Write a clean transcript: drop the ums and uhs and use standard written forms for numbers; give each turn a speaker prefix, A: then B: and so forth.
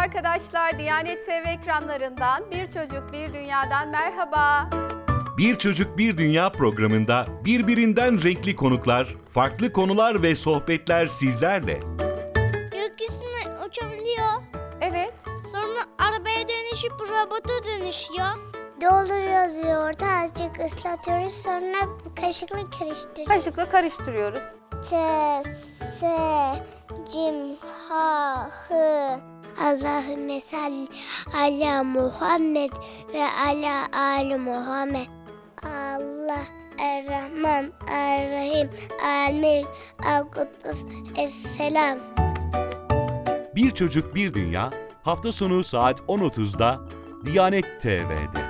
A: arkadaşlar, Diyanet TV ekranlarından Bir Çocuk Bir Dünya'dan merhaba.
B: Bir Çocuk Bir Dünya programında birbirinden renkli konuklar, farklı konular ve sohbetler sizlerle.
C: Gökyüzüne uçabiliyor.
A: Evet.
C: Sonra arabaya dönüşüp robota dönüşüyor.
D: Dolduruyoruz yoğurdu, azıcık ıslatıyoruz, sonra kaşıkla karıştırıyoruz.
A: Kaşıkla karıştırıyoruz.
D: T, S, Cim, Ha, Hı. Allahümme salli ala Muhammed ve ala Ali Muhammed. Allah, Er-Rahman, Er-Rahim, El-Melik, El-Kuddus, Es-Selam.
B: Bir Çocuk Bir Dünya hafta sonu saat 10.30'da Diyanet TV'de.